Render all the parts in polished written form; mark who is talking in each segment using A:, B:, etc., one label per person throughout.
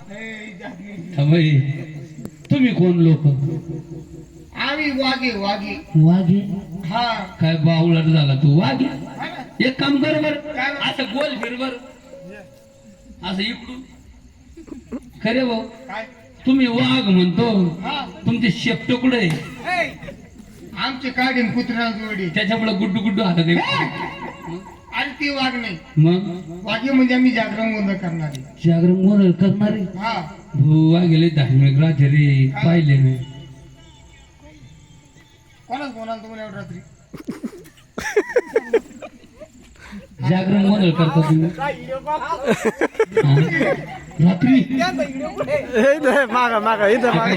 A: बाई तुम्ही कोण लोक?
B: आम्ही वाघे वाघे
A: वाघे?
B: हा
A: काय बावळट झाला तू वाघे?
B: हा ना.
A: एक काम कर बर,
B: काय?
A: असं गोल फिर बर, असं इकडून. खरे भाऊ
B: काय
A: तुम्ही वाघ म्हणतो,
B: हा
A: तुमचे शेपट कुठे आहे?
B: आमचे काढीन कुत्र्या जोडी
A: त्याच्यामुळे गुड्डू गुड्डू हातात आहे.
B: आणि ती वाघ नाही.
A: मग
B: वाघे म्हणजे आम्ही जागरण गोंधळ करणारे.
A: जागरण गोंधळ करणारे
B: हा
A: भुवा गेले धार्मिक राहते रे, पाहिले मी.
B: कोणाच कोणाला तुम्हाला एवढं रात्री
A: जागरण गोंधळ करता तुम्ही हा? रात्री
C: मागा मागा इथं मागा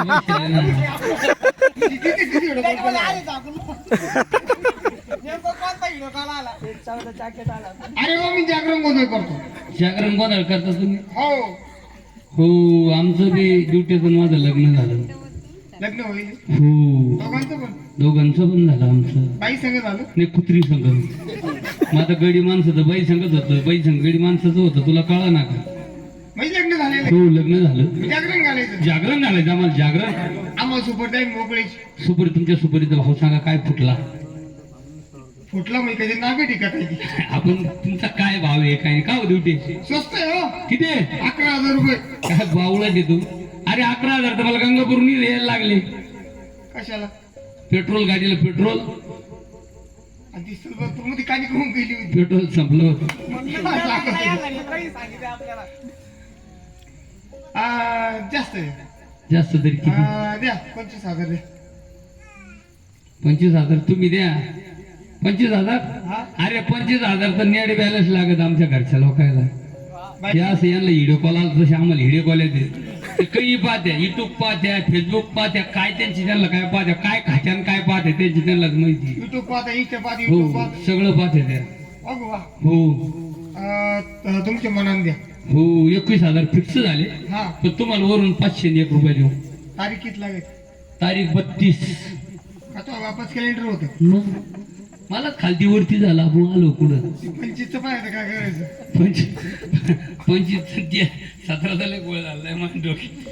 B: अरे हो मी जागरण गोंधळ करतो.
A: जागरण गोंधळ करता तुम्ही?
B: हो
A: हो आमचं बी ड्युटीतून माझं लग्न झालं.
B: लग्न होईल
A: हो
B: दोघांचं पण.
A: दोघांचं पण झालं आमचं.
B: बाई संग झालं.
A: नाही कुत्री संघ. मग आता गडी माणसं तर बाई संगत होतं, बाई संघ गडी माणसाचं होतं, तुला कळा ना का?
B: म्हणजे लग्न झालेलं
A: हो लग्न झालं.
B: जागरण घालायचं.
A: जागरण घालायचं आम्हाला जागरण.
B: आम्हाला सुपर टाईम मोकळीच
A: सुपरी तुमच्या सुपरीचा भाऊ सांगा काय फुटला?
B: फुटला मी कधी नागे टिकटायची.
A: आपण तुमचा काय भाव आहे काय का हो ड्युटी?
B: स्वस्त आहे हो.
A: किती?
B: 11,000 रुपये.
A: काय बावळा देतो? अरे 11,000 तर मला गंगापूरनी यायला लागले.
B: कशाला?
A: पेट्रोल गाडीला पेट्रोल.
B: आणि ती सिल्वर मध्ये काली करून गेली होती.
A: पेट्रोल संपलं होतं.
B: जास्त आहे.
A: जास्त तरी किती?
B: द्या 25,000 द्या.
A: 25,000 तुम्ही द्या. 25,000?
B: हा
A: अरे 25,000 तर नेट बॅलन्स लागत आमच्या घरच्या लोकांना.
B: बाई,
A: ते असं यांना व्हिडिओ कॉल आला तसे आम्हाला व्हिडिओ कॉल येते. ते काही पाहत्या, युट्यूब पाहत्या, फेसबुक पाहत्या, काय त्यांची त्यांना काय पाहत्या, काय खात्यान काय पाहत्या त्यांची त्यांनाच माहिती.
B: युट्यूब पाहता इंस्टा पाहता
A: हो
B: युट्यूब पाहता.
A: सगळं पाहत्या त्या.
B: अगो वा.
A: हो
B: तुमच्या मनाने द्या.
A: हो 21,000 फिक्स झाले.
B: हा
A: पण तुम्हाला वरून 501 रुपये देऊ.
B: तारीख किती लागेल?
A: तारीख 32.
B: का तो वापस कॅलेंडर होतं.
A: मग मला खालती वरती झाला आपण आलो कुठं.
B: 25चं पाहायचं काय करायचं.
A: 25 17 झाले गोळ झालाय माझ्या डोक्यात.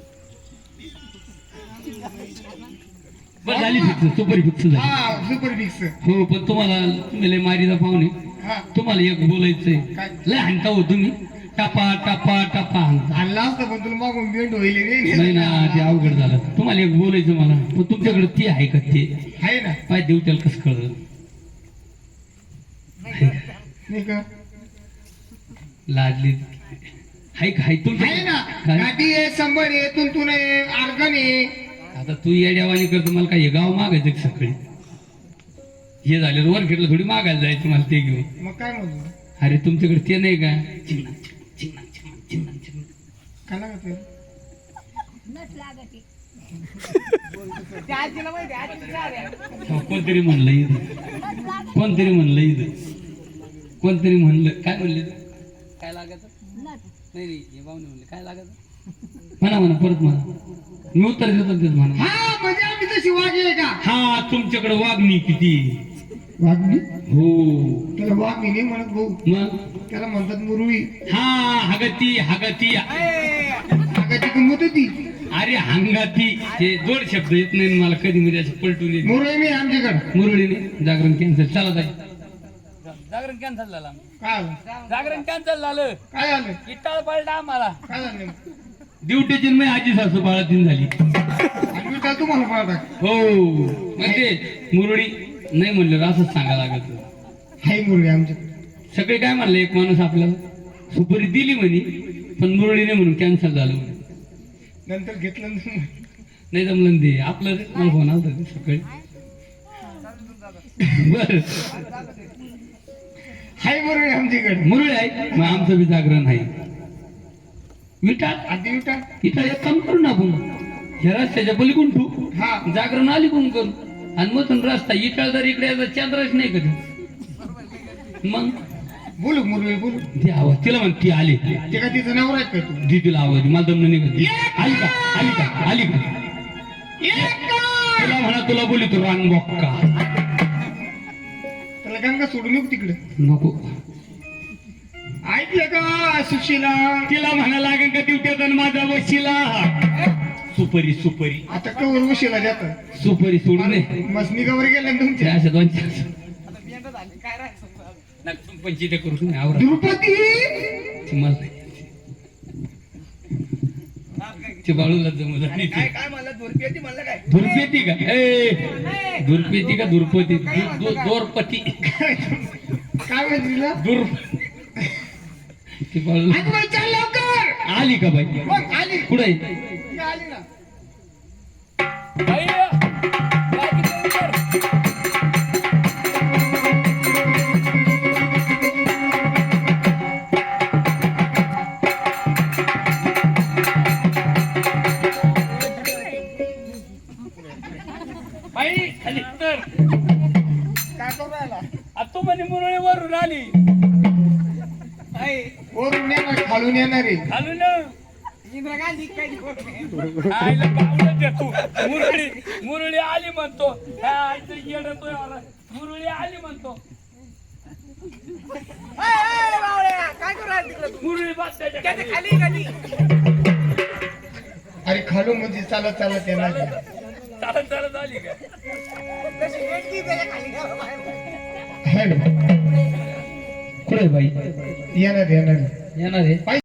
A: बरं झाली फिक्स, सुपर फिक्स झाली.
B: हा सुपर फिक्स.
A: हो पण तुम्हाला तुम्ही लय मारीचा पाहुणे,
B: हा
A: तुम्हाला एक बोलायचंय.
B: काय?
A: लय हाणता हो तुम्ही, टपा टपा टपा हाणता.
B: आणला असतं पण तुला मागून बेंड होईल
A: नाही ना ते अवघड झालं. तुम्हाला एक बोलायचं मला, पण तुमच्याकडे ती आहे का? ते
B: आहे ना.
A: पाय देऊ त्याला कसं कळलं?
B: नाही का?
A: लाडली हाय का? हाय तुमच्या
B: आहे ना.
A: काय?
B: गाठी आहे, संबर आहे, तुंतून आहे, आर्गन आहे.
A: आता तू येड्यावानी करतो. मला काय हे गाव मागायचं का सकाळी? हे झालं वर खेळलं थोडी मागायला जायचं मला ते घेऊन.
B: मग काय म्हणतो?
A: अरे तुमच्याकडे ते नाही का? चिन्ना चिन्ना चिन्ना चिन्ना चिन्ना.
B: काय लागत आहे?
A: कोणतरी म्हणलं इथं, कोणतरी म्हणलं इथं, कोणतरी म्हणलं. काय म्हणले? काय लागत? नाही नाही हे भाऊने म्हणले काय लागत. म्हणा म्हणा परत म्हणा, मी उत्तर देतो तेच म्हणा.
B: हा म्हणजे आम्ही तशी वाघी आहे का?
A: हा तुमच्याकडे वागणी किती?
B: वाघनी?
A: हो
B: त्याला वाघनी नाही म्हणत भाऊ.
A: मग
B: त्याला म्हणतात मुरळी.
A: हा हगती हगती.
B: आगाची किंमत होती.
A: अरे हंगाती ते जोड शब्द येत नाही मला कधी मध्ये असं पलटून येत.
B: मुरळी नाही आमच्याकडे.
A: मुरळीने जागरण कॅन्सल. चला ताई जागरण कॅन्सल झालं.
B: काय आलं?
A: जागरण कॅन्सल झालं.
B: काय आलं?
A: इटाळ पडला आम्हाला.
B: काय झालं?
A: ड्युटीची मी आजी सासू बाळातीन झाली.
B: आणि मी काय तुम्हाला पाहता?
A: हो मग ते मुरळी नाही म्हणलं असंच सांगा लागत.
B: हाय मुरळी आमच्याकडे.
A: सगळे काय म्हणलं, एक माणूस आपल्याला सुपारी दिली म्हणे पण मुरळी नाही म्हणून कॅन्सल झालं म्हणे.
B: नंतर घेतलं
A: नाही जमलं ते आपलं. मला फोन आला होता सकाळी. बर
B: हाय मुरळी आमच्याकडे.
A: मुरळी आहे मग आमचं बी जागरण आहे. विटाळ
B: आधी विटा.
A: इथं एक काम करू ना आपण, ह्या रस्त्याच्या पलीकडून ठेवू,
B: हा
A: जागरण आली कोण करू आणि मग रस्ता इटाळ जर इकडे यायचा चंद्रच नाही कधी. मग
B: बोलू मुरळी बोलू.
A: ती आवाज तिला म्हण ती आली.
B: ते का तिचं नाव आहे का तू?
A: दी तिला आवाज मला दमन नाही कधी. आली का आली का आली का? तुला म्हणा तुला बोली तू रांग बॉक्का.
B: त्याला गंगा सोडून येऊ तिकडे.
A: नको
B: ऐकलं का सुशीला?
A: तिला म्हणा लागेल का ड्युट्यात वशिला सुपरी सुपरी
B: आता कवर उशीला जात
A: सुपरी सोडून दे
B: मसनी कवर गेल्या ना तुमच्या
A: अशा दोन पंचित करून आवरा
B: द्रुपदी
A: मला नाही. ते बाळूला जमलं आणि ते
B: काय मला दुर्पेती म्हणलं काय
A: धुरपेती का ए धुरपेती का धुरपती दोरपती
B: काय म्हणते
A: दुर ते बाळू
B: चल लवकर
A: आली का बाई
B: मग आली
A: कुठे
B: ती आली ना
A: बाई खाली तर
B: काय करू राहिला
A: तू म्हणे मुरळी वरून आली
B: वरून येणार खालून येणार आहे
A: खालू ना
B: इंदिरा गांधी काय
A: आईला पावलं दे तू मुरळी मुरळी आली म्हणतो ह्या आईचं येडतोय मला मुरळी आली म्हणतो
B: काय करू राहिला तिकडे
A: मुरळी बात त्याच्या
B: खाली खाली अरे खालून म्हणजे चालत चालत येणार आहे.
A: चालत चालत आली का
B: है ना?
A: कुठे बाई
B: येणार येणार
A: येणार आहे